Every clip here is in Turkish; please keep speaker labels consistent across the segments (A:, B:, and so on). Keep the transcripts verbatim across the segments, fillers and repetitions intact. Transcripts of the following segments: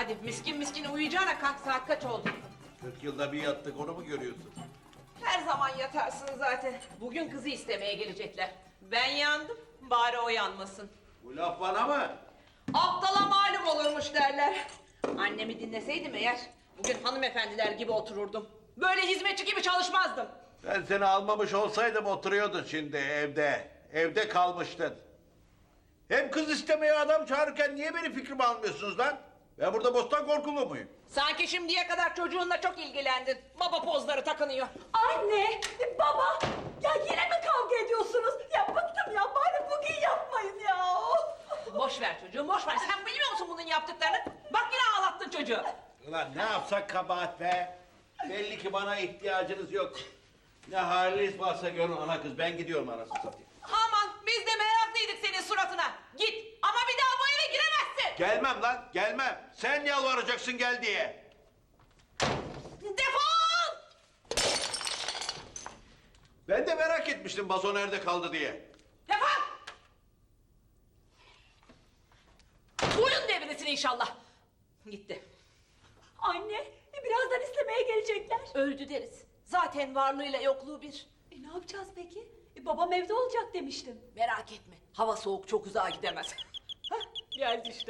A: hadi miskin miskin uyuyacağına kalk, saat kaç oldu?
B: kırk yılda bir yattık, onu mu görüyorsun?
A: Her zaman yatarsın zaten. Bugün kızı istemeye gelecekler. Ben yandım, bari o yanmasın.
B: Bu laf bana mı?
A: Aptala malum olurmuş derler. Annemi dinleseydim eğer, bugün hanımefendiler gibi otururdum. Böyle hizmetçi gibi çalışmazdım.
B: Ben seni almamış olsaydım oturuyordun şimdi evde. Evde kalmıştın. Hem kız istemeye adam çağırırken niye benim fikrimi almıyorsunuz lan? Ben burada bostan korkulu muyum?
A: Sanki şimdiye kadar çocuğunla çok ilgilendin. Baba pozları takınıyor.
C: Anne, baba, ya yine mi kavga ediyorsunuz? Ya bıktım ya, bari bugün yapmayın ya.
A: Boş ver çocuğum, boş ver. Sen bilmiyor musun bunun yaptıklarını? Bak yine ağlattın çocuğu.
B: Ulan ne yapsak kabahat be? Belli ki bana ihtiyacınız yok. Ne haliniz varsa görün ana kız. Ben gidiyorum anasını satayım.
A: Aman biz de meraklıydık senin suratına. Git ama bir daha bu eve giremezsin.
B: Gelmem lan, gelmem. Sen yalvaracaksın gel diye.
A: Defol!
B: Ben de merak etmiştim Bazo nerede kaldı diye.
A: Defol! Boyun devresin inşallah. Gitti.
C: Anne, birazdan istemeye gelecekler.
A: Öldü deriz. Zaten varlığıyla yokluğu bir.
C: E ne yapacağız peki? E, babam evde olacak demiştim.
A: Merak etme. Hava soğuk, çok uzağa gidemez. Hah, geldi işte.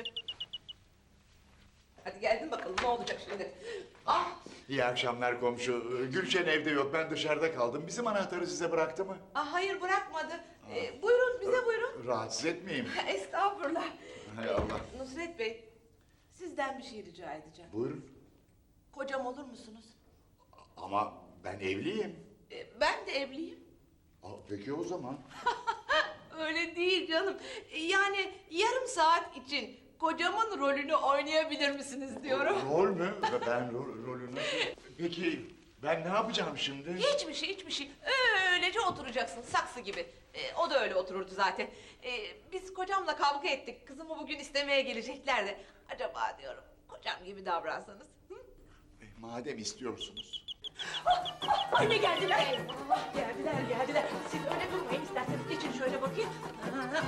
A: Hadi geldin bakalım ne olacak şimdi? Ah!
D: İyi akşamlar komşu. Gülşen evde yok, ben dışarıda kaldım. Bizim anahtarı size bıraktı mı?
A: Ah hayır bırakmadı. Ee, buyurun bize buyurun.
D: Rahatsız etmeyeyim.
A: Estağfurullah.
D: Hay Allah.
A: Nusret Bey, sizden bir şey rica edeceğim.
D: Buyurun.
A: Kocam olur musunuz?
D: Ama ben evliyim.
A: Ee, ben de evliyim.
D: Aa, peki o zaman.
A: Öyle değil canım. Ee, Yani yarım saat için kocamın rolünü oynayabilir misiniz diyorum.
D: Rol mü? Ben rol, rolünü... Peki ben ne yapacağım şimdi?
A: Hiçbir şey, hiçbir şey. Öylece oturacaksın, saksı gibi. Ee, o da öyle otururdu zaten. Ee, biz kocamla kavga ettik. Kızımı bugün istemeye gelecekler de. Acaba diyorum, kocam gibi davransanız. Hı?
D: E, madem istiyorsunuz.
C: Anne geldiler.
A: Eyvallah, geldiler, geldiler. Siz öyle durmayın isterseniz. Geçin şöyle bakayım. Güzel.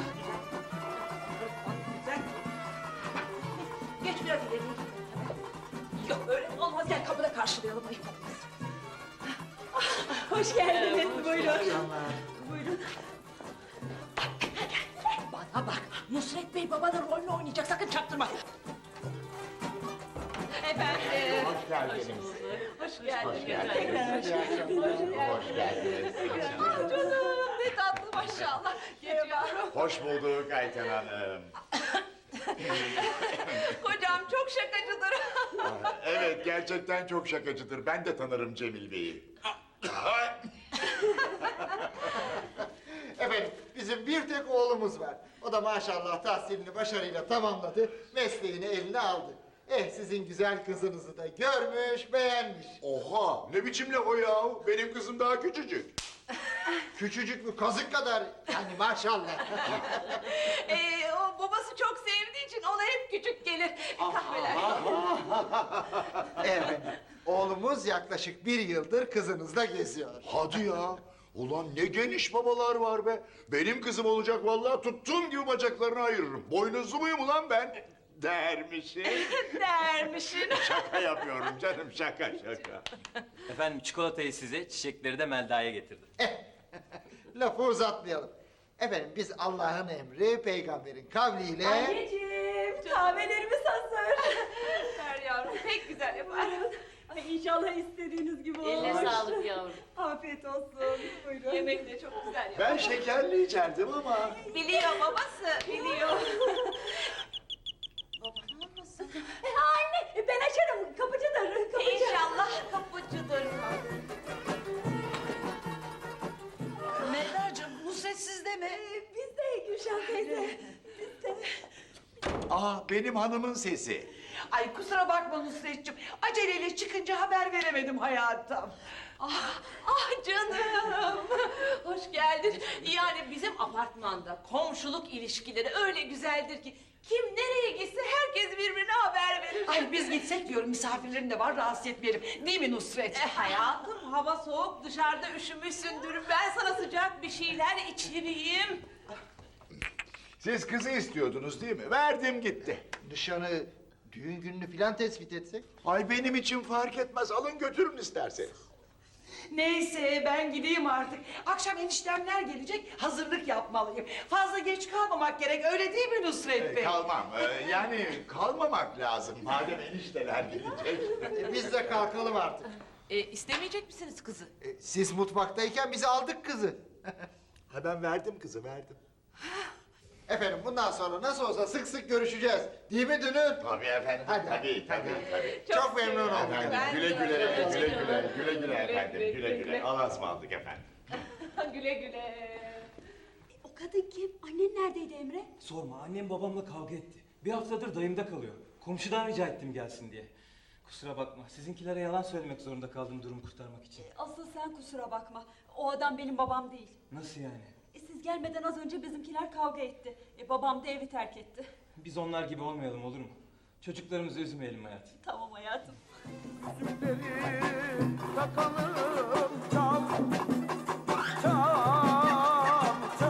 A: Güzel. Geç biraz ileri. Yok öyle olmaz. Gel kapıda karşılayalım. Ayıp olmaz.
C: Hoş geldiniz,
A: Hoş
C: buyurun.
A: bulduk.
C: Buyurun.
A: Bana bak, Nusret Bey babanın rolünü oynayacak, sakın çaktırma. Efendim.
D: Hoş geldiniz.
A: Hoş geldiniz.
D: Hoş geldiniz.
A: Tekrar hoş geldiniz.
D: Hoş geldiniz.
A: Ah canım, ne tatlı maşallah. Geçiyorum.
D: Hoş bulduk Ayten Hanım.
A: Kocam çok şakacıdır.
D: Aa, Evet, gerçekten çok şakacıdır. Ben de tanırım Cemil Bey'i.
E: Efendim bizim bir tek oğlumuz var. O da maşallah tahsilini başarıyla tamamladı, mesleğini eline aldı. Eh sizin güzel kızınızı da görmüş, beğenmiş.
D: Oha! Ne biçim laf o yahu? Benim kızım daha küçücük.
E: Küçücük mü kazık kadar yani maşallah.
A: ee, o babası çok sevdiği için ona hep küçük gelir. Kahveler.
E: Evet, oğlumuz yaklaşık bir yıldır kızınızla geziyor.
D: Hadi ya! Ulan ne geniş babalar var be! Benim kızım olacak vallahi tuttuğum gibi bacaklarını ayırırım. Boynuzlu muyum ulan ben? Dermişim.
A: Dermişin.
D: Şaka yapıyorum canım, şaka şaka.
F: Efendim çikolatayı size, çiçekleri de Melda'ya getirdim.
E: Lafı uzatmayalım. Efendim biz Allah'ın emri, peygamberin kavliyle...
C: Anneciğim, kahvelerimiz hazır.
A: Ver yavrum, pek güzel yapar.
C: Ay inşallah istediğiniz gibi olur.
A: Eline sağlık yavrum.
C: Afiyet olsun, buyurun.
A: Yemek de çok güzel yapar.
D: Ben şekerli içerdim ama...
A: Biliyor babası, biliyor. Baban olmasın.
C: E, anne, e, ben açarım, kapıcıdır, kapıcı.
A: İnşallah kapıcıdır.
G: Melda'cığım, Nusret sizde mi?
C: E, biz de Gülşen teyze, biz de.
D: Aa, benim hanımın sesi.
G: Ay kusura bakma Nusretciğim. Aceleyle çıkınca haber veremedim hayatım.
A: Ah, ah canım. Hoş geldin. Yani bizim apartmanda komşuluk ilişkileri öyle güzeldir ki kim nereye gitse herkes birbirine haber verir.
G: Ay biz gitsek diyorum, misafirlerim de var, rahatsız etmeyelim. Değil mi Nusret?
A: E hayatım hava soğuk dışarıda üşümüşsündür. Ben sana sıcak bir şeyler içireyim.
D: Siz kızı istiyordunuz değil mi? Verdim gitti.
E: Nişanı düğün gününü filan tespit etsek?
D: Ay benim için fark etmez. Alın götürün isterseniz.
G: Neyse ben gideyim artık. Akşam eniştemler gelecek, hazırlık yapmalıyım. Fazla geç kalmamak gerek, öyle değil mi Nusret Bey?
D: Kalmam. Ee, yani kalmamak lazım. Madem enişteler gelecek.
E: E, biz de kalkalım artık.
A: E, istemeyecek misiniz kızı?
E: E, siz mutfaktayken biz aldık kızı.
D: Ha ben verdim kızı verdim.
E: Efendim bundan sonra nasıl olsa sık sık görüşeceğiz. Değil mi Dünür?
D: Tabii efendim.
E: Hadi.
D: Tabii tabii tabii.
E: Çok, memnun oldum.
D: Efendim
A: Ben
D: güle
A: de
D: güle,
A: öyle.
D: güle güle, güle güle efendim,
A: güle,
D: güle güle.
A: güle.
D: Allah'a ısmarladık efendim.
A: Güle güle.
C: O kadın kim? Annen neredeydi Emre?
F: Sorma, annem babamla kavga etti. Bir haftadır dayımda kalıyor. Komşudan rica ettim gelsin diye. Kusura bakma, sizinkilere yalan söylemek zorunda kaldım durumu kurtarmak için.
C: Asıl sen kusura bakma. O adam benim babam değil.
F: Nasıl yani?
C: E, siz gelmeden az önce bizimkiler kavga etti. E, babam da evi terk etti.
F: Biz onlar gibi olmayalım olur mu? Çocuklarımızı üzmeyelim hayatım.
C: Tamam hayatım.
H: Takalım